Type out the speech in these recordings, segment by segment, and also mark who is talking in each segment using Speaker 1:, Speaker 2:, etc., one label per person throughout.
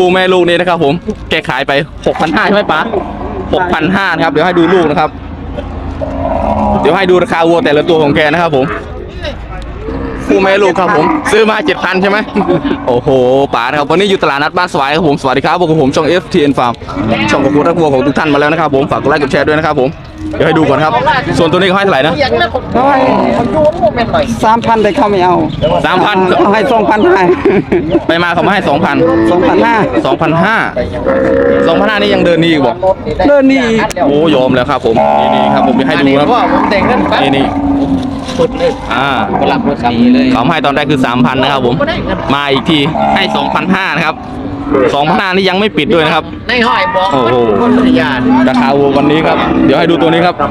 Speaker 1: คู่แม่ลูกนี้นะครับผมแกขายไป 6,500 ใช่ไหมป๋า 6,500 นะครับเดี๋ยวให้ดูลูกนะครับเดี๋ยวให้ดูราคาวัวแต่ละตัวของแกนะครับผมคู่แม่ลูกครับผมซื้อมา 7,000 ใช่ไหมโอ้โหป๋านะครับวันนี้อยู่ตลาดนัดบ้านสวายครับผมสวัสดีครับพวกผมช่อง FTN Farm ช่องของคุณรักวัวของทุกท่านมาแล้วนะครับผมฝากกดไลค์กดแชร์ด้วยนะครับผมเดี๋ยวให้ดูก่อนครับส่วนตัวนี้เขาให้เท่าไหร่นะ
Speaker 2: เขาให้3,000แต่เขาไม่เอา
Speaker 1: 3,000
Speaker 2: เขาให้2,500ให้
Speaker 1: ไปมาเขามาให้ 2,000 2,500 นี่ยังเดินนี่อีกบอก
Speaker 2: เดินนี่
Speaker 1: โอ้ยอมแล้วครับผมนี่ครับผมจะให้ดูครับนี่เขาให้ตอนแรกคือ 3,000 นะครับผมมาอีกทีให้ 2,500 นะครับ 2,500 นี่ยังไม่ปิดด้วยนะครับในห้อยบอกโอ้โหราคาวัววันนี้ครับเดี๋ยวให้ดูตัวนี้ครับ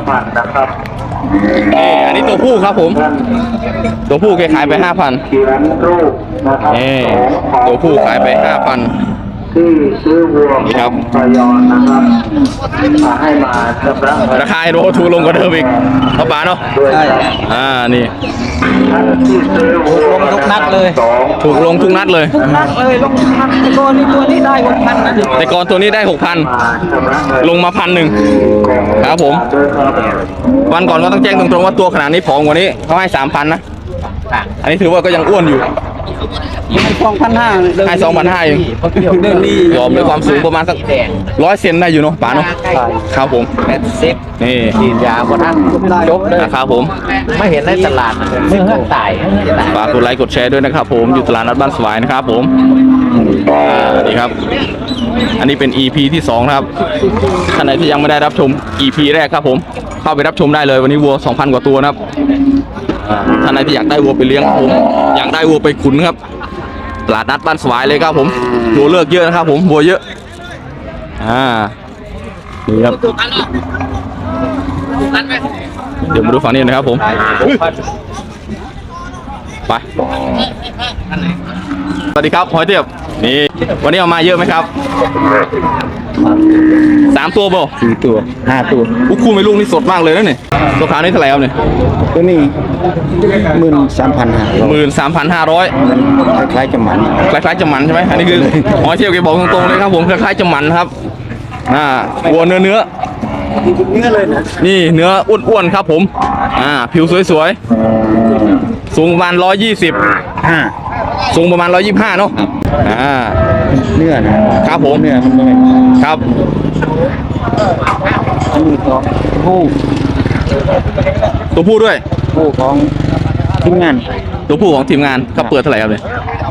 Speaker 1: อันนี้ตัวผู้ครับผมตัวผู้แกขายไป 5,000นี่ตัวผู้ขายไป 5,000
Speaker 3: ที่ซื้อวัว
Speaker 1: นี่ครับ
Speaker 3: พยอนนะครับให้มาชำระ
Speaker 1: ราคาโรถูกลงกว่าเดิมอีกเขาป๋าเนาะ
Speaker 3: ด้วยครับ
Speaker 1: นี่
Speaker 3: ท่านที่ซื้อวัว
Speaker 2: ลงทุกนัดเลย
Speaker 1: ถูกลงทุกนัดเลย
Speaker 2: ทุกนัดเลยลงทุกนัดแต่ก่อนนี่ตัวนี้ได้6,000นะ
Speaker 1: แต่ก่อนตัวนี้ได้ 6,000
Speaker 3: มาชำระเงิน
Speaker 1: ลงมา 1,000 ครับผม
Speaker 3: ด้วยครับ
Speaker 1: วันก่อนก็ต้องแจ้งตรงๆว่าตัวขนาดนี้ผอมกว่านี้เขาให้ 3,000 นะอันนี้ถือว่าก็ยังอ้วนอยู่
Speaker 2: ให้2,500
Speaker 1: ให้ 2,500 เอง
Speaker 2: เดินนี่
Speaker 1: ยอมเลยความสูงประมาณสัก100 เซนได้อยู่เนาะป๋าเนาะครับผมนี่
Speaker 4: ฉีดยาบนนั้นจบเลย
Speaker 1: นะครับผม
Speaker 4: ไม่เห็นในตลาดเมื่อตาย
Speaker 1: ฝากกดไลค์กดแชร์ด้วยนะครับผมอยู่ตลาดนัดบ้านสวายนะครับผมนี่ครับอันนี้เป็น EP ที่2นะครับท่านไหนที่ยังไม่ได้รับชม EP แรกครับผมเข้าไปรับชมได้เลยวันนี้วัว 2,000 กว่าตัวนะครับท่านไหนที่อยากได้วัวไปเลี้ยงผมอยากได้วัวไปขุนครับตลาดนัดบ้านสวายเลยครับผมวัวเลือกเยอะนะครับผมวัวเยอะนี่ครับเดี๋ยวมาดูฝั่งนี้นะครับผมไปสวัสดีครับหอยเตียบนี่วันนี้เอามาเยอะไหมครับ3 ตัวบ่
Speaker 2: 4ตัว5ตัว
Speaker 1: คู่ไม่ลูกนี่สดมากเลยนะเนี่ยตัวขาวนี่เท่าไหร่ครับเนี่ย
Speaker 2: ตัวนี้13,500
Speaker 1: 13,500
Speaker 2: คล้ายๆจะหมัน
Speaker 1: คล้ายๆจะมันใช่ไหมอันนี้คือหอยเทียบแกบอกตรงๆเลยครับผมคล้ายๆจะมันครับวัวเนื้อ
Speaker 2: เลยนะ
Speaker 1: นี่เนื้ออ้วนๆครับผมผิวสวยๆสูงประมาณ120สูงประมาณ125เนาะ
Speaker 2: เนื้อนะครับ
Speaker 1: ผม
Speaker 2: เนื้อมันเลย
Speaker 1: ครับ
Speaker 2: อันนี้ของผู้
Speaker 1: ตัวผู้ด้วย
Speaker 2: ของทีมงาน
Speaker 1: ตัวผู้ของทีมงานเขาเปิดเท่าไหร่ครับเนี่ย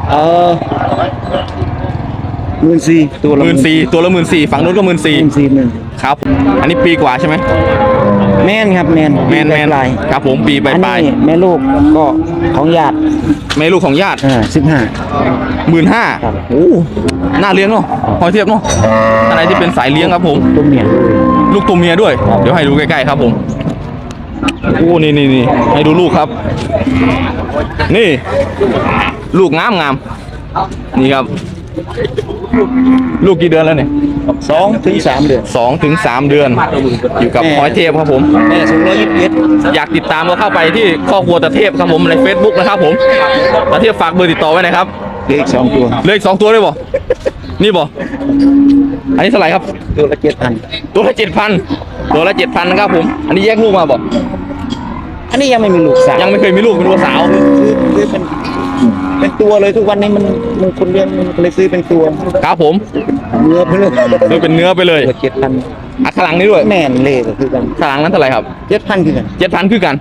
Speaker 2: 14,000ตัวละ
Speaker 1: 14,000ตัวละ14,000ฝั่งนู้นก็14,000ครับอันนี้ปีกว่าใช่ไหม
Speaker 2: แม่นครับแม่น
Speaker 1: แมน
Speaker 2: ลาย
Speaker 1: ครับผมปีป
Speaker 2: อัน
Speaker 1: ลาย
Speaker 2: นี้แม่ลูกก็ของญาติ
Speaker 1: แม่ลูกของญาติ
Speaker 2: 15,000
Speaker 1: 15,000โอ้น่าเลี้ยงเนาะหอยเทียบเนาะอะไรที่เป็นสายเลี้ยงครับผม
Speaker 2: ตัวเมีย
Speaker 1: ลูกตัวเมียด้วยเดี๋ยวให้ดูใกล้ๆครับผมโอ้นี่ให้ดูลูกครับนี่ลูกงามนี่ครับลูกกี่เดือนแล้วเนี่ย
Speaker 2: 2 ถึง 3 เดือน
Speaker 1: 2 ถึง 3 เดือนอยู่กับหอยเทพครับผม
Speaker 2: แม่สูง121
Speaker 1: อยากติดตามก็เข้าไปที่ครอบครัวตะเทพครับผมใน Facebook นะครับผมตะเทพฝากเบอร์ติดต่อไว้หน่อยครับ
Speaker 2: เหลืออีก2ตัว
Speaker 1: เหลืออีก2ตัวด้วยบ่นี่บ่อันนี้เท่าไหร่ครับ
Speaker 2: ตัวละ7,000
Speaker 1: ตัวละ 7,000ตัวละ 7,000นะครับผมอันนี้แยกลูกมาบ่
Speaker 2: อันนี้ยังไม่มีลูกสาว
Speaker 1: ยังไม่เคยมีลูกเป็นวัวสาว
Speaker 2: คือเป็นตัวเลยทุกวันนี้มันคนเลี้ยงมันเลยซื้อเป็นตัว
Speaker 1: ครับผม
Speaker 2: เนื้อไปเลย
Speaker 1: ซื้อเป็นเนื้อไปเลย
Speaker 2: 7,000
Speaker 1: ข้างหลังนี้ด้วย
Speaker 2: แม่นเลยก็คือกัน
Speaker 1: ข้างหลังนั้นเท่าไหร่ครับ
Speaker 2: 7,000คือกัน
Speaker 1: 7,000คือกัน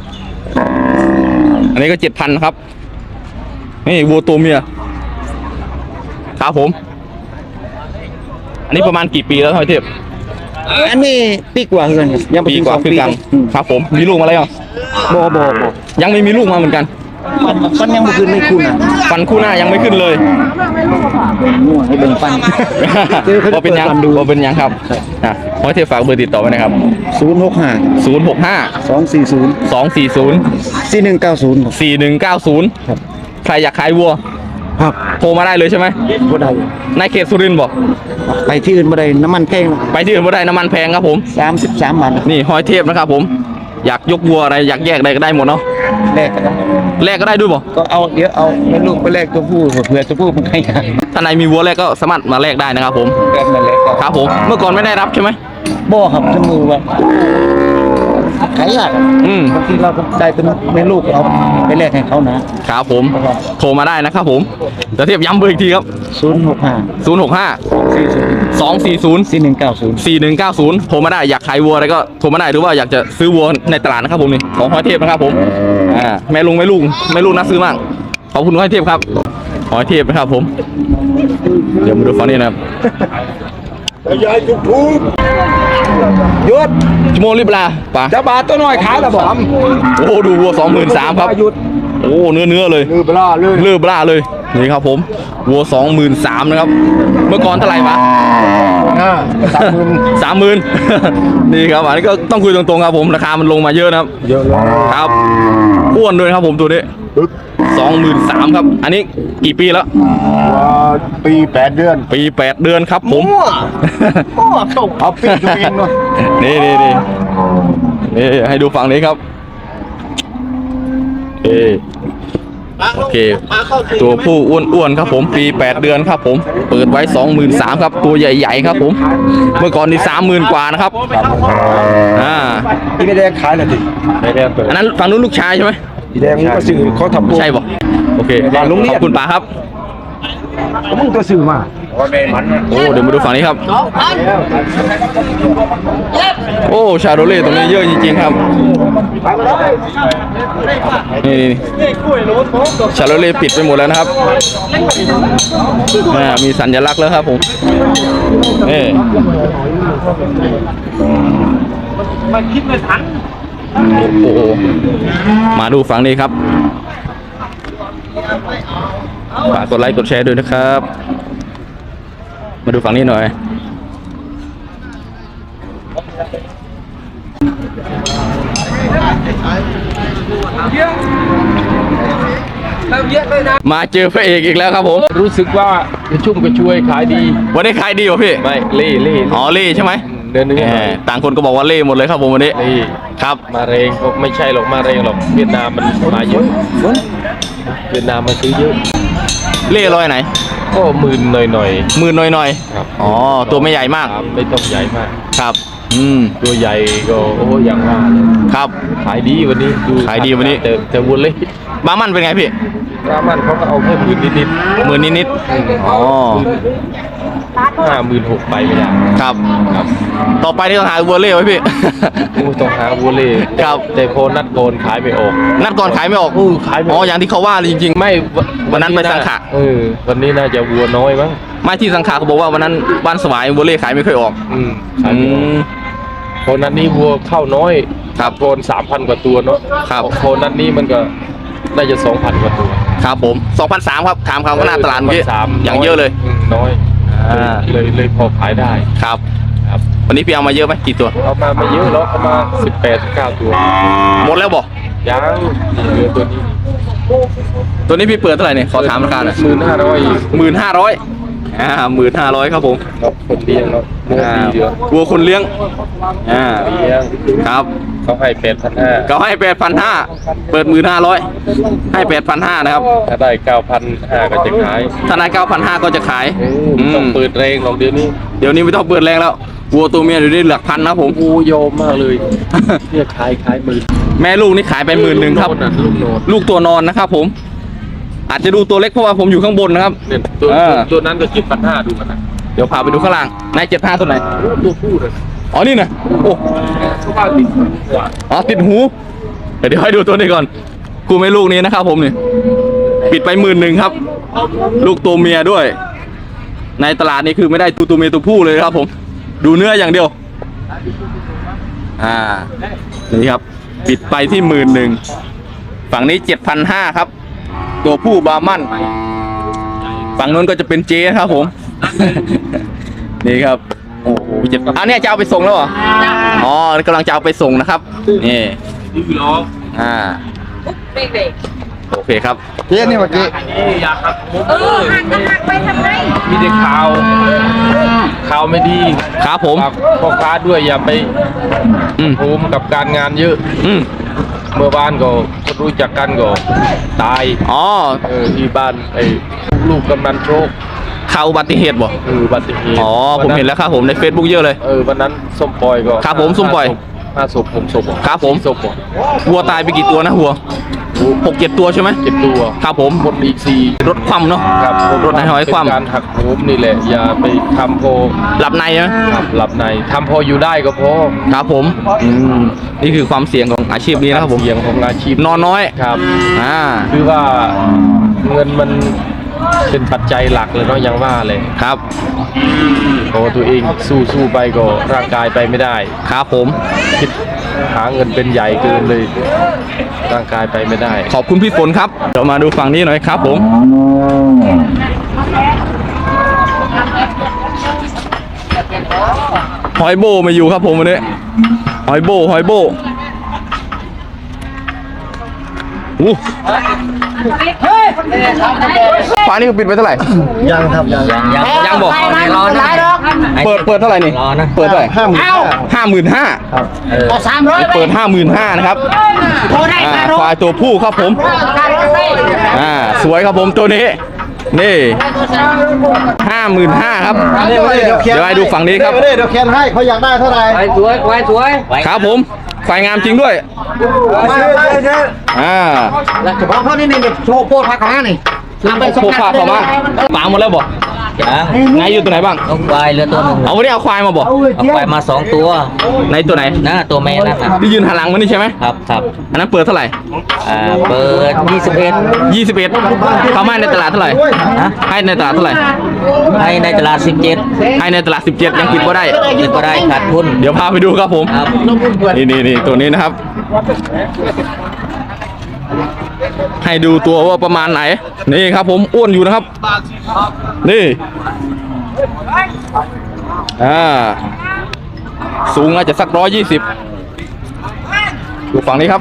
Speaker 1: อันนี้ก็ 7,000ครับนี่วัวตัวเมียครับผมอันนี้ประมาณกี่ปีแล้วหอยเทพ
Speaker 2: อันนี้ปีกว่าคือกันยัง
Speaker 1: ปีกว่าคือกันครับผมมีลูกมาแล้ว
Speaker 2: บ่
Speaker 1: ยังไม่มีลูกมาเหมือนกัน
Speaker 2: ฟันยังไม่ขึ้นเลยคุณ
Speaker 1: ฟันคู่หน้ายังไม่ขึ้นเลย
Speaker 2: ให้เบิ่งฟัน
Speaker 1: ว่าเป็นยังครับหอยเทพฝากเบอร์ติดต่อไว้นะครับ
Speaker 2: 065 240 4190ครับ
Speaker 1: ใครอยากขายวัว
Speaker 2: ครับ
Speaker 1: โทรมาได้เลยใช่ไหม
Speaker 2: บ่ได้
Speaker 1: ในเขตสุรินทร์บอก
Speaker 2: ไปที่อื่นบ่ได้น้ำมันแพง
Speaker 1: ไปที่อื่นบ่ได้น้ำมันแพงครับผม
Speaker 2: 33 บาท
Speaker 1: นี่หอยเทพนะครับผมอยากยกวัวอะไรอยากแยกอะไรก็ได้หมดเนาะ
Speaker 2: แลกกันนะ
Speaker 1: แลกก็ได้ด้วยบ่
Speaker 2: ก็เอาเดี๋ยวเอาแม่ลูกไปแลกตัวผู้เผื่อตัวผู้มันใครอยาก
Speaker 1: ถ้าในมีวัวแลกก็สามารถมาแลกได้นะครับผม
Speaker 2: แลกนั่นแหละก็
Speaker 1: ครับผมเมื่อก่อนไม่ได้รับใช่ไหม
Speaker 2: บ่ครับจมือว่าขายยากอะ
Speaker 1: อืม
Speaker 2: บางทีเราก็ได้เป็นแม่ลูกเอาไปแลกให้เขานะครับ
Speaker 1: ผมโทรมาได้นะครับผมจะเทียบย้ำเบอร์อีกทีครับ
Speaker 2: 065
Speaker 1: 065 240
Speaker 2: 4190
Speaker 1: 4190โทรมาได้อยากขายวัวอะไรก็โทรมาได้หรือว่าอยากจะซื้อวัวในตลาดนะครับผมนี่ของห้อยเทพนะครับผมแม่ลุงน่าซื้อมากขอบคุณห้อยเทพครับห้อยเทพนะครับผมเดี๋ยวมาดูฝั่งนี้นะครับ
Speaker 2: ยายทุกหยุด
Speaker 1: ชั่วโมงรีบลาป่ะ
Speaker 2: จะบาทตัวน้อยขายละบ่
Speaker 1: โอ้ดูวัว 23,000ครับ
Speaker 2: หยุด
Speaker 1: โอ้เนื้อเลย
Speaker 2: ลือบลาเลย
Speaker 1: เลือบล่าเลยนี่ครับผมวัว 23,000นะครับเมื่อก่อนเท่าไหร่ปะ 30,000 นี่ครับอันนี้ก็ต้องคุยตรงๆครับผมราคามันลงมาเยอะนะครับ
Speaker 2: เยอะเลย
Speaker 1: ครับอ้วนด้วยครับผมตัวนี้ 23,000ครับอันนี้กี่ปีแล้ว
Speaker 2: ปี8 เดือน
Speaker 1: ปี 8 เดือนครับผม
Speaker 2: เอาปีตัวเองเนาะ
Speaker 1: นี่ให้ดูฝั่งนี้ครับโอเคตัวผู้อ้วนๆครับผมปี 8 เดือนครับผมเปิดไว้ 23,000ครับตัวใหญ่ๆครับผมเมื่อก่อนนี่ 30,000 กว่านะครับ
Speaker 2: ที่ไม่ได้ขายเลยดิ
Speaker 1: อันนั้นฝั่งนู้นลูกชายใช่ไหม
Speaker 2: ที่แดงก็ซื้อเขาทำ
Speaker 1: ใช่ป่ะโอเคขอบคุณป๋าครับ
Speaker 2: มึงตัวซื้อมา
Speaker 1: โอ้เดี๋ยวมาดูฝั่งนี้ครับโอ้ชาโรเล่ตรงนี้เยอะจริงๆครับนี่ชาโรเล่ปิดไปหมดแล้วนะครับมีสัญลักษณ์แล้วครับผมนี่มันคิดไม่ทันโอ้โหมาดูฝั่งนี้ครับฝากกดไลค์กดแชร์ด้วยนะครับมาดูฝั่งนี้หน่อยมาเจอพระเอกอีกแล้วครับผม
Speaker 4: รู้สึกว่ากระชุ่มกระชวยขายดี
Speaker 1: วันนี้ขายดีป่ะพี่
Speaker 4: ไม่เล่
Speaker 1: อ๋อเล่ใช่ไหม
Speaker 4: เนื้อ
Speaker 1: ต่างคนก็บอกว่าเล่หมดเลยครับผมวันนี้
Speaker 4: เล่
Speaker 1: ครับ
Speaker 4: มาเรงก็ไม่ใช่หรอกมาเรงหรอกเวียดนามมันมาเยอะเวียดนามมาซื้อเยอะ
Speaker 1: เล่ร้อยไหน
Speaker 4: ก็หมื่นหน่อย
Speaker 1: หมื่นหน่อย
Speaker 4: ๆครับ
Speaker 1: ๆอ๋อตัวไม่ใหญ่มาก
Speaker 4: ครับไม่ต้องใหญ่มาก
Speaker 1: ครับ
Speaker 4: ตัวใหญ่ก็โอ้อย่างว่าเลย
Speaker 1: ครับ
Speaker 4: ขายดีวันนี้ดู
Speaker 1: ขายดีวันนี้
Speaker 4: แต่วนเลย
Speaker 1: บามันเป็นไงพี่
Speaker 4: รามันเขาก็เอาแค่หมื่นนิด
Speaker 1: หมื่นนิดๆอ๋อ
Speaker 4: 56,000ไปไม่ได้
Speaker 1: ครับ
Speaker 4: ครับ
Speaker 1: ต่อไปนี่ต้องหาวัวเล่ไว้พี่
Speaker 4: ต้องหาวัวเล่
Speaker 1: ครับ
Speaker 4: แต่พอนัดโกนขายไม่ออก
Speaker 1: นัดก่อนขายไม่ออก
Speaker 4: ขายไม่อ
Speaker 1: อ๋
Speaker 4: อ
Speaker 1: อก อย่างที่เขาว่าเลยจริงๆ
Speaker 4: ไม่
Speaker 1: วันนั้นไปสังขะ
Speaker 4: วันนี้น่าจะวัวน้อยมั้ง
Speaker 1: ไม่ที่สังขารเขาบอกว่าวันนั้นบ้านสวายวัวเล่ขายไม่ค่อยออก
Speaker 4: ขายไม่ออกพอนัดนี้วัวเข้าน้อย
Speaker 1: ครับ
Speaker 4: โกน3,000 กว่าตัวเนาะ
Speaker 1: ครับ
Speaker 4: พอนัดนี้มันก็น่าจะ 2,000 กว่าตัว
Speaker 1: ครับผม2,300ครับถามคำว่าหน้าตลาดเมื่อกี้
Speaker 4: 2,300
Speaker 1: อย่างเยอะเลย
Speaker 4: น้อย เลยพอขายได้
Speaker 1: ครับ
Speaker 4: ครับ
Speaker 1: วันนี้พี่เอามาเยอะไหมกี่ตัว
Speaker 4: เอามาไม่เยอะหรอกเอามา18-19 ตัว
Speaker 1: หมดแล้วบอก
Speaker 4: ยังเหลือตัวนี้
Speaker 1: ตัวนี้พี่เปิดเท่าไหร่เนี่ยขอถามราคาหน่อย
Speaker 4: 1,500อีก
Speaker 1: 15,000ครับผม
Speaker 4: ครับคนเลี้ยงเนาะเนื้อดีเดียว
Speaker 1: วัวคนเลี้ยง
Speaker 4: เลี้ยง
Speaker 1: ครับ
Speaker 4: เขาให้8,500
Speaker 1: เขาให้ 8,500เปิด 15,000ให้ 8,500นะครับ
Speaker 4: ถ้าได้ 9,500 ก็จะขาย
Speaker 1: ถ้านาย9,500ก็จะขาย
Speaker 4: ต้องเปิดแรงหรอกเดี๋ยวนี้
Speaker 1: เดี๋ยวนี้ไม่ต้องเปิดแรงแล้ววัวตัวเมียอยู่นี่หลักพันนะครับผม
Speaker 4: โอ้โยมมากเลยเนี่ยขายหมื่น
Speaker 1: แม่ลูกนี่ขายไป11,000ครับ
Speaker 4: ลูกโนด
Speaker 1: ลูกตัวนอนนะครับผม อาจจะดูตัวเล็กเพราะว่าผมอยู่ข้างบนนะครับ
Speaker 4: เนี่ย ตัวนั้นก็7,500ดูมันนะ
Speaker 1: เดี๋ยวพาไปดูข้างล่างนาย75ตัวไหน
Speaker 4: ตัวผู้เลย
Speaker 1: อ๋อนี่นะโอ้
Speaker 4: เขาว่าติดกว่า
Speaker 1: อ๋อติดหู เดี๋ยวให้ดูตัวนี้ก่อนกูไม่ลูกนี้นะครับผมนี่ปิดไป11,000ครับ ลูกตัวเมียด้วย ในตลาดนี้คือไม่ได้ตัวเมียตัวผู้เลยครับผม ดูเนื้ออย่างเดียวนี่ครับ ปิดไปที่11,000ฝั่งนี้7,500ครับ ตัวผู้บาร์มันฝั่งนู้นก็จะเป็นเจครับผม นี่ครับโอ้โหอันนี้จะเอาไปส่งแล้วเหรออ๋อกำลังจะเอาไปส่งนะครับนี่
Speaker 4: ดื้อล้อ
Speaker 1: อ่าโอเคครับ
Speaker 2: เจ๊นี่เมื่อกี้
Speaker 4: อยากหักผม
Speaker 5: หักก็หักไปทำไม
Speaker 4: มีแต่ข่าวไม่ดี
Speaker 1: ครับผม
Speaker 4: ฝากพ่อค้าด้วยอย่าไป
Speaker 1: อืม
Speaker 4: โฮมกับการงานเยอะ
Speaker 1: อืม
Speaker 4: เมื่อบ้านก็คนรู้จักกันก็ตาย
Speaker 1: อ๋อ
Speaker 4: ที่บ้านไอ้ลูกกำนันโชค
Speaker 1: ข่าวอุบัติเหตุบ่
Speaker 4: อุบัติเหตุ
Speaker 1: อ๋อผมเห็นแล้วครับผมใน Facebook เยอะเลย
Speaker 4: วันนั้นส้มปอยก็
Speaker 1: ครับผมส้มปอย
Speaker 4: 5 ศพ6 ศพ
Speaker 1: ครับผม
Speaker 4: 4 ศพ
Speaker 1: วัวตายไปกี่ตัวนะวัว6-7 ตัวใช่ไหม
Speaker 4: 7 ตัว
Speaker 1: ครับผม
Speaker 4: หมดอีก4
Speaker 1: รถคว่ำเนาะ
Speaker 4: ครับ
Speaker 1: รถนายหอยคว่ำ
Speaker 4: เป็นการหักโหมนี่แหละอย่าไปทำพอ
Speaker 1: หลับในใช่ไหม
Speaker 4: ครับหลับในทำพออยู่ได้ก็พอ
Speaker 1: ครับผมนี่คือความเสี่ยงของอาชีพนี้นะครับผม
Speaker 4: เสี่ยงของอาชีพ
Speaker 1: นอนน้อย
Speaker 4: ครับ
Speaker 1: คือ
Speaker 4: ว่าเงินมันเป็นปัจจัยหลักเลยเนาะยังว่าเลย
Speaker 1: ครับ
Speaker 4: พอตัวเองสู้ไปก็ร่างกายไปไม่ได้
Speaker 1: ครับผม
Speaker 4: คิดหาเงินเป็นใหญ่เกินเลย ร่างกายไปไม่ได้
Speaker 1: ขอบคุณพี่ฝนครับเดี๋ยวมาดูฝั่งนี้หน่อยครับผมหอยโบมาอยู่ครับผมวันนี้หอยโบอู้ฟ้านี่ปิดไปเท่าไหร่
Speaker 2: ยังครับยัง
Speaker 1: ยังบอก
Speaker 5: รอนะ
Speaker 1: เปิดเท่าไหร่นี่เปิดเท่าไหร่ 55,000
Speaker 5: เอา300
Speaker 1: เปิด 55,000นะครับ
Speaker 5: โทรได้
Speaker 1: ควายตัวผู้ครับผมสวยครับผมตัวนี้นี่55,000ครับเดี๋ยวให้ดูฝั่งนี้ครับ
Speaker 2: เดี๋ยวเขียนให้เขาอยากได้เท่าไหร่
Speaker 5: สวย
Speaker 1: ครับผมควายงามจริงด้วย
Speaker 2: เฉพาะเขานี่โชว์โพดพักขานี่
Speaker 1: โคพาเข้ามาปาหมดแล้วบ่
Speaker 6: ยัง
Speaker 1: ไงอยู่ตัวไหนบ้าง
Speaker 6: เอาควายเหลือตัวหนึ่ง
Speaker 1: เอาวันนี้เอาควายมาบ่
Speaker 6: เอาควายมา2 ตัว
Speaker 1: ในตัวไหน
Speaker 6: นะตัวแม่นั่นนะ
Speaker 1: ที่ยืนหันหลังมานี่ใช่ไหม
Speaker 6: ครับ
Speaker 1: อันนั้นเปิดเท่าไหร่
Speaker 6: เปิด
Speaker 1: 21เขาให้ในตลาดเท่าไหร่
Speaker 6: ฮะ
Speaker 1: ให้ในตลาดเท่าไหร่
Speaker 6: ให้ในตลาด17
Speaker 1: ให้ในตลาด17ยังปิดก็ได้
Speaker 6: นี่ก็ได้ขาดทุน
Speaker 1: เดี๋ยวพาไปดูครับผม
Speaker 6: ครับ
Speaker 1: นี่ตัวนี้นะครับ ให้ดูตัวว่าประมาณไหน นี่ครับผมอ้วนอยู่นะครับ นี่สูงอาจจะสัก120ดูฝั่งนี้ครับ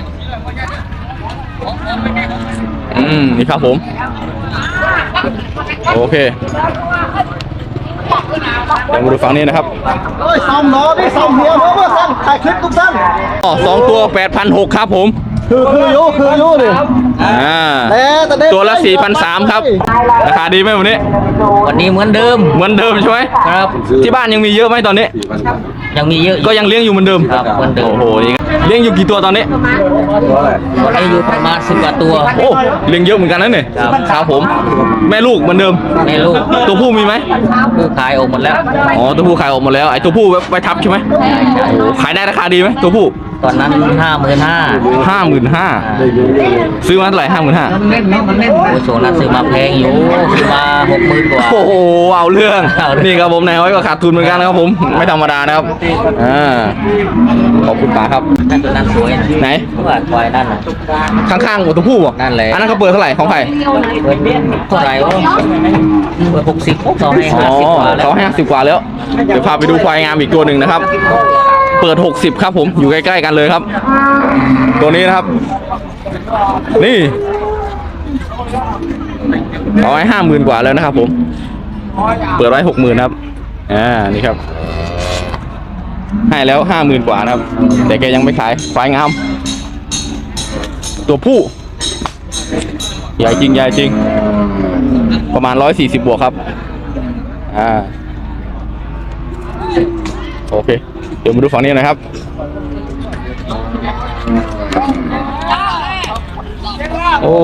Speaker 1: นี่ครับผมโอเคเดี๋ยวมาดูฝั่งนี้นะครับ
Speaker 2: ซ่อมล้อนี่ซ่อมเฮียเพื่อสั้นถ่ายคลิปทุกท่าน
Speaker 1: 2 ตัว 8,600ครับผม
Speaker 2: คืออยู่ดิ
Speaker 1: ตัวละ 4,300ครับราคาดีไหมวันนี้
Speaker 6: วันนี้เหมือนเดิม
Speaker 1: เหมือนเดิมใช่ไหม
Speaker 6: ครับ
Speaker 1: ที่บ้านยังมีเยอะไหมตอนนี้
Speaker 6: ยังมีเยอะ
Speaker 1: ก็ยังเลี้ยงอยู่เหมือนเดิม
Speaker 6: ครับเหมือนเดิม
Speaker 1: โอ้โหนี่เลี้ยงอยู่กี่ตัวตอนนี้
Speaker 6: วันนี้อยู่ประมาณ10 กว่าตัว
Speaker 1: โอ้เลี้ยงเยอะเหมือนกันนะเนี่ย
Speaker 6: ครับ
Speaker 1: ครับผม แม่ลูกเหมือนเดิม
Speaker 6: แม่ลูก
Speaker 1: ตัวผู้มีไหม
Speaker 6: ผู้ขายออกหมดแล้ว
Speaker 1: อ๋อตัวผู้ขายออกหมดแล้วไอ้ตัวผู้ไว้ทับใช่ไหมโอ้ขายได้ราคาดีไหมตัวผู้
Speaker 6: ตอนนั้น
Speaker 1: 55,000ซื้อมาเท่าไหร่55,000
Speaker 6: โอ้โหนั้นซื้อมาแพงอยู่ซื้อมา60,000 กว่า
Speaker 1: โอ้โหเอาเรื่อง
Speaker 6: เอาเรื่อง
Speaker 1: นี่ครับผมนายห้อยก็ขาดทุนเหมือนกันนะครับผมไม่ธรรมดานะครับขอบคุณป๋าครับ
Speaker 6: นั่นตัวนั้นสวยนะ
Speaker 1: ไหน
Speaker 6: ว่าควายนั่นนะ
Speaker 1: ข้างๆตัวผู้บ่
Speaker 6: นั่นแหละ
Speaker 1: อันนั้นเขาเปิดเท่าไหร่ของใคร
Speaker 6: เท่าไหร่วะเปิด60เขาให้
Speaker 1: อ๋อ
Speaker 6: 50 กว่าแล้ว
Speaker 1: เขาให้50 กว่าแล้ว เดี๋ยวพาไปดูควายงามอีกตัวหนึ่งนะครับ เปิด60ครับผมอยู่ใกล้ๆกันเลยครับ ตัวนี้นะครับ นี่เอาไว้50,000 กว่าแล้วนะครับผมเปิดไว้60,000ครับนี่ครับ ให้แล้ว50,000 กว่านะครับ แต่แกยังไม่ขายควายงาม ตัวผู้ใหญ่จริงประมาณ140 บวกครับโอเคเดี๋ยวมาดูฝั่งนี้หนะครับโอ้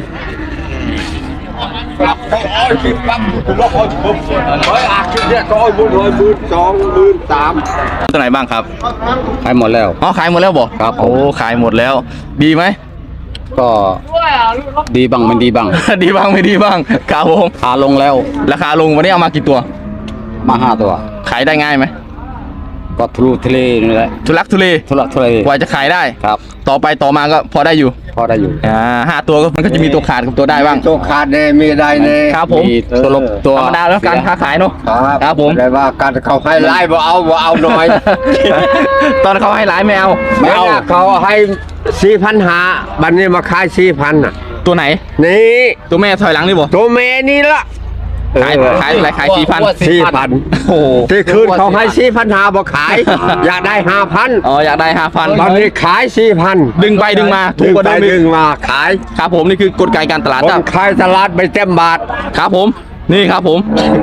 Speaker 1: ตัวไหนบ้างครับ
Speaker 2: ขายหมดแล้ว
Speaker 1: อ๋อขายหมดแล้วบ่
Speaker 2: ครับ
Speaker 1: โอ้ขายหมดแล้วดีไหม
Speaker 2: ก็ดีบ้างไม่ดีบ้าง
Speaker 1: ดีบ้างไม่ดีบ้างครับผม
Speaker 2: ขาลงแล้ว
Speaker 1: ราคาลงวันนี้เอามากี่ตัว
Speaker 2: มา5 ตัว
Speaker 1: ขายได้ง่ายไหม
Speaker 2: ก็ทะลุทะเลนี่แหละ
Speaker 1: ทุลักทุเล
Speaker 2: ทุลักทุเล
Speaker 1: กว่าจะขายได้
Speaker 2: ครับ
Speaker 1: ต่อไปต่อมาก็พอได้อยู่
Speaker 2: พอได้อยู่
Speaker 1: 5 ตัวก็มันก็จะมีตัวขาดกับตัวได้บ้าง
Speaker 2: ตัวขาดเนี่ยมีได้เนี่ย
Speaker 1: ครับผม
Speaker 2: ตัวลบตัว
Speaker 1: ธรรมดาแล้วการค้าขายเนาะ ครับผม
Speaker 2: ได้ว่าการเขาให้ไล่บ่เอาหน่อย
Speaker 1: ตอนเขาให้หลายไม่เอา
Speaker 2: ไม่เอาเขาให้4,500บัดนี้มาขาย4,000น่ะ
Speaker 1: ตัวไหน
Speaker 2: นี่
Speaker 1: ตัวแม่ถอยหลังนี่บ่
Speaker 2: ตัวเมนี่ละ
Speaker 1: ขายอะไรขาย4,000
Speaker 2: 4,000
Speaker 1: โอ้โห
Speaker 2: ที่คืนเขาให้4,500บ่ขาย อยากได้ 5,000
Speaker 1: อ๋ออยากได้
Speaker 2: บัด
Speaker 1: 5,000
Speaker 2: นี้ขาย 4,000
Speaker 1: ดึงไปดึงมาถูกกว่าเดิมอีก
Speaker 2: ดึงมาขาย
Speaker 1: ครับผมนี่คือกลไกการตลาด
Speaker 2: ค
Speaker 1: ครั
Speaker 2: น
Speaker 1: บ
Speaker 2: ขายตลาดไปเต็มบาท
Speaker 1: ครับผมนี่ครับผม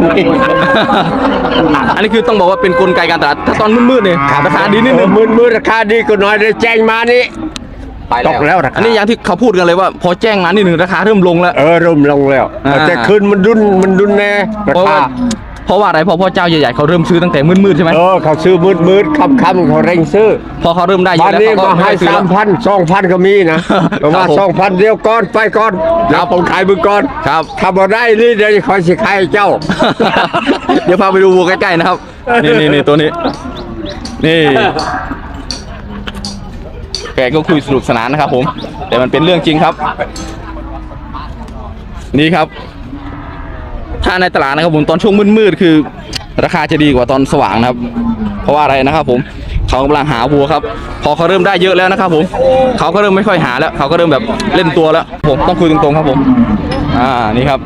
Speaker 1: อันนี้คือต้องบอกว่าเป็นกลไกการตลาดถ้าตอนมืดๆเนี่ยราคาดีนิดนึง
Speaker 2: มืดราคาดีก็น้อยได้แจ้งมานี่ตกแล้วรา
Speaker 1: อั
Speaker 2: คาน
Speaker 1: นี้อย่างที่เขาพูดกันเลยว่า พอแจ้งมานิดนึงราคาเริ่มลงแล้ว
Speaker 2: เริ่มลงแล้ว แต่คืนมันดุนแน่รา
Speaker 1: เพราะ
Speaker 2: คา
Speaker 1: ว่าเพราะว่าอะไรเพราะพ่อเจ้าใหญ่ๆเขาเริ่มซื้อตั้งแต่มืดๆใช่ไหม
Speaker 2: เขาซื้อมืดค่ำเขาเร่งซื้อ
Speaker 1: พอเขาเริ่มได้เย
Speaker 2: บ้า
Speaker 1: อะ
Speaker 2: น
Speaker 1: แล้ว
Speaker 2: นี้
Speaker 1: เขาก็
Speaker 2: มาให้
Speaker 1: ไม่ซื้อแล้ว
Speaker 2: 3,000 2,000ก็มีนะแต่ว่า
Speaker 1: ครับผม
Speaker 2: 2,000เดียวก่อนไปก่อน
Speaker 1: ครั
Speaker 2: แล้
Speaker 1: บ
Speaker 2: วผมขายมึงก่อน
Speaker 1: ครับ
Speaker 2: ถ้าบ่ได้นี่เดี๋ยวคอยสิขายให้เจ้า
Speaker 1: เดี๋ยวพาไปดูวัวใกล้ๆนะครับ นี่ตัวนี้ นี่แกก็คุยสนุกสนานนะครับผม แต่มันเป็นเรื่องจริงครับ นี่ครับ ถ้าในตลาดนะครับผมตอนช่วงมืดๆคือ ราคาจะดีกว่าตอนสว่างนะครับ เพราะว่าอะไรนะครับผมเขากำลังหาวัวครับ พอเขาเริ่มได้เยอะแล้วนะครับผมเขาก็เริ่มไม่ค่อยหาแล้วเขาก็เริ่มแบบเล่นตัวแล้ว ผมต้องคุยตรงๆครับผม นี่ครับ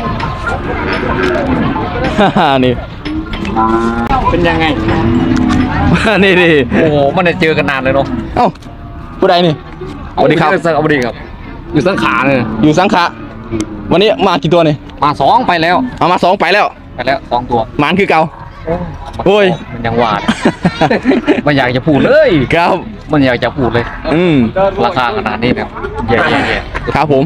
Speaker 1: นี่
Speaker 6: เป็นยังไง
Speaker 1: นี่
Speaker 6: โอ้โหมันได้เจอกันนานเลยเนาะ
Speaker 1: เอ้าผู้ใดนี่สวัสดีครับ
Speaker 6: สวัสดีครับ อยู่สังขาเลย
Speaker 1: อยู่สังขะวันนี้มากี่ตัวนี่
Speaker 6: มา2ไปแล้ว
Speaker 1: เอามา2ไปแล้ว
Speaker 6: 2 ตัว
Speaker 1: หมานคือเก่า โอ้ย
Speaker 6: มันยังหวาด มันอยากจะพูดเลย
Speaker 1: ครับ
Speaker 6: มันอยากจะพูดเลย ราคาขนาดนี้เนี่ยแย่
Speaker 1: ครับผม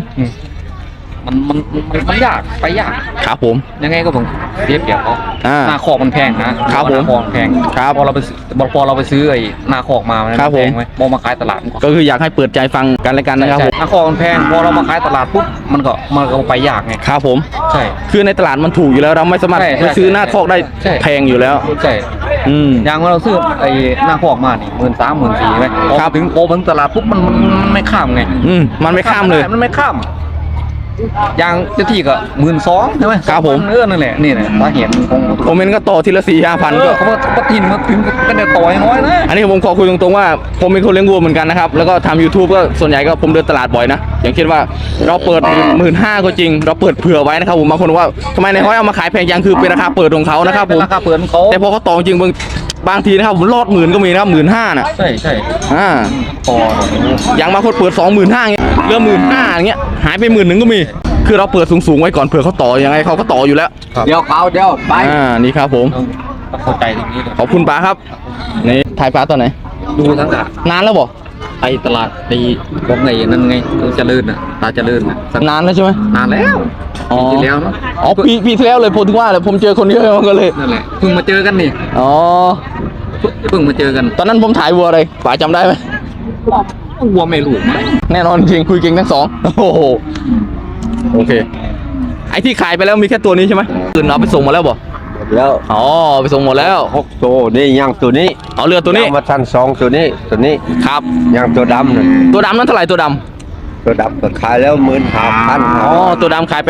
Speaker 6: มันยากไปยาก
Speaker 1: ครับผม
Speaker 6: ยังไงก็ผมเรียบเกี่ยวเขา
Speaker 1: า
Speaker 6: หน้าคอกมันแพงนะครับ
Speaker 1: ผม
Speaker 6: หน้าคอกมันแพง
Speaker 1: ครับ
Speaker 6: พอเราไปซื้อไอ้หน้าคอกมามัน
Speaker 1: ครับ
Speaker 6: แพง
Speaker 1: ผม
Speaker 6: ไหมมองมาขายตลาดมันก็
Speaker 1: ก็คืออยากให้เปิดใจฟังกันและกันนะครับผม
Speaker 6: ใช่หน้าคอกมันแพงพอเรามาขายตลาดปุ๊บมันก็ไปยากไง
Speaker 1: ครับผม
Speaker 6: ใช่
Speaker 1: คือในตลาดมันถูกอยู่แล้วเราไม่สามารถ
Speaker 6: ใช่
Speaker 1: ไปซื้อหน้าคอกได้
Speaker 6: ใช่
Speaker 1: แพงอยู่แล้ว
Speaker 6: ใช่ อย่างเราซื้อไอ้หน้าคอกมานี่13,000 14,000ไหมพอ
Speaker 1: ครับ
Speaker 6: ถึงตลาดปุ๊บมันไม่ข้ามไง
Speaker 1: มันไม่ข้ามเลย
Speaker 6: มันไม่ข้ามอย่างเจ้าที่ก็12,000ใช่ไหม
Speaker 1: ครับผม
Speaker 6: นั่นแหละนี่แหละสาเหตุของ
Speaker 1: คอมเมนต์ก็ต่อทีละ4-5,000ก็
Speaker 6: เขาก็ทินมาถึงก็เดี๋ยวต่อยน้อยนะ
Speaker 1: อันนี้ผมขอคุยตรงๆว่าผมเป็นคนเลี้ยงวัวเหมือนกันนะครับแล้วก็ทำ YouTube ก็ส่วนใหญ่ก็ผมเดินตลาดบ่อยนะอย่างเช่นว่าเราเปิด 15,000ก็จริง เราเปิดเผื่อไว้นะครับผมบางคนว่าทำไมในห้อยเอามาขายแพงจังคือเป็นราคาเปิดของเขานะครับผม
Speaker 6: ราคาเปิดของเขา
Speaker 1: แต่พอเขาต่อจริงบางทีนะครับผมรอด10,000ก็มีนะครับ15,000น่ะ
Speaker 6: ใช่ ต่อ
Speaker 1: อย่างบางคนเปิด 25,000เงี้ยเหลือ15,000อย่างเงี้ยหายไป10,000ก็มีคือเราเปิดสูงๆไว้ก่อนเผื่อเขาต่อยังไงเขาก็ต่ออยู่แล้ว
Speaker 2: เดี๋ยวไป
Speaker 1: นี่ครับผม
Speaker 6: ต้องเข้าใจตรงนี้เลย
Speaker 1: ขอบคุณป้าครับนี่ถ่ายป้าตอนไหน
Speaker 6: ดูทั้งอ่ะ
Speaker 1: นานแล้วบ่
Speaker 6: ไปตลาดไปของไงนั่นไงเจริญน่ะตาเจริญน่ะ
Speaker 1: นานแล้วใช่ไหม
Speaker 6: นานแล้ว
Speaker 1: อ๋อ
Speaker 6: ปีที่แล้วเนาะ
Speaker 1: อ๋อปีที่แล้วเลยผมถึงว่าเลยผมเจอคนเยอะมันก็เลย
Speaker 6: นั่นแหละเพิ่งมาเจอกันนี่
Speaker 1: อ๋อ
Speaker 6: เพิ่งมาเจอกัน
Speaker 1: ตอนนั้นผมถ่ายวัวอะไรป๋าจำได้ไหม
Speaker 6: วัวไม่รู้
Speaker 1: แน่นอนจริงคุยเก่งทั้งสองโอ้โหโอเคไอที่ขายไปแล้วมีแค่ตัวนี้ใช่ไหมอื่นเอาไปส่งหมาแล้วบ่
Speaker 2: แล้ว
Speaker 1: อ๋อไปส่งหมดแล้ว
Speaker 2: 6ตัวนี่ยังตัวนี้
Speaker 1: เอาเรือตัวนี้
Speaker 2: ยังมาทัน2ตัวนี้
Speaker 1: ครับ
Speaker 2: ยังตัวดำน่ะ
Speaker 1: ตัวดำนั้นเท่าไหร่ตัวดำ
Speaker 2: ตัวดำก็ขายแล้ว15,000
Speaker 1: อ๋อตัวดำขายไป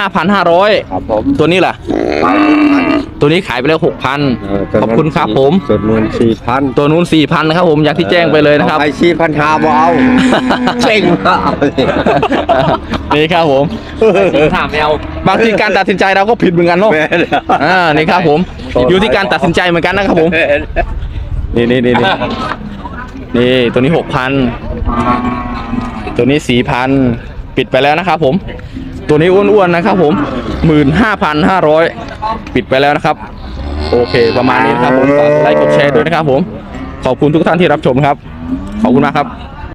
Speaker 1: 15,500
Speaker 2: ครับผม
Speaker 1: ตัวนี้ล่ะ ตัวนี้ขายไปแล้ว6,000ขอบคุณครับผม
Speaker 2: ส่วนนู้น4,000
Speaker 1: ตัวนู้น4,000นะครับผมอย่างที่แจ้งไปเลยนะครับ
Speaker 2: ไอ้4,500บ่เอาเจ๋งเอา
Speaker 1: นี่ครับผม
Speaker 6: ถามแมว
Speaker 1: บางทีการตัดสินใจเราก็ผิดเหมือนกันเนาะ
Speaker 2: แม่น
Speaker 1: นี่ครับผม อยู่ที่การตัดสินใจเหมือนกันนะครับผม นี่ตัวนี้6,000ตัวนี้4,000ปิดไปแล้วนะครับผม ตัวนี้อ้วนๆนะครับผม15,500ปิดไปแล้วนะครับ โอเคประมาณนี้นะครับผมฝากไลค์กดแชร์ด้วยนะครับผมขอบคุณทุกท่านที่รับชมครับขอบคุณมากครับ